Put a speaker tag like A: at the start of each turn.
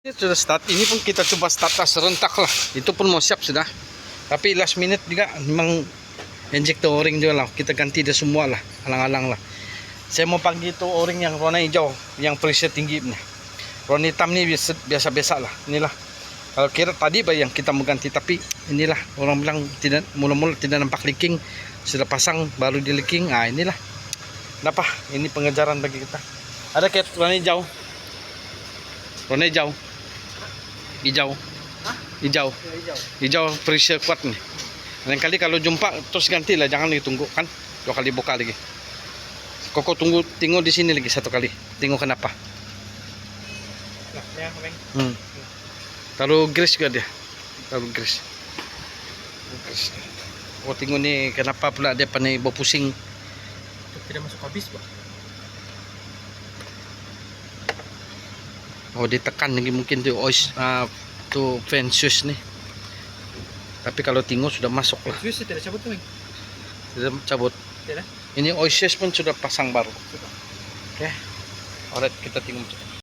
A: Ini sudah start. Ini pun kita coba start serentak lah. Itu pun mau siap sudah. Tapi last minute juga memang injektor o-ring juga lah. Kita ganti dia semua lah. Alang-alang lah. Saya mau panggil itu o-ring yang warna hijau, yang pressure tinggi nih. Warna hitam nih biasa-biasa lah. Inilah. Kalau kira tadi yang kita mau ganti, tapi inilah orang bilang tidak mula-mula tidak nampak leaking. Sudah pasang baru di leaking. Ah inilah. Kenapa? Ini pengejaran bagi kita. Ada kayak warna hijau. Warna hijau. Hijau. Hijau. Hijau pressure kuat nih. Lain kali kalau jumpa terus gantilah, jangan ditunggu kan. 2 kali buka lagi. Koko tunggu di sini lagi 1 kali. Tengok kenapa. Taruh grease juga dia. Taruh grease. Oh tengok nih kenapa pula dia pandai bawa pusing.
B: Tidak masuk habis, Pak.
A: Oh ditekan lagi mungkin tuh tuh fan switch nih. Tapi kalau tengok sudah masuk lah.
B: Switch tidak cabut tuh,
A: Sudah cabut.
B: Tidak.
A: Ini oil switch pun sudah pasang baru. Oke. Alright, kita tengok.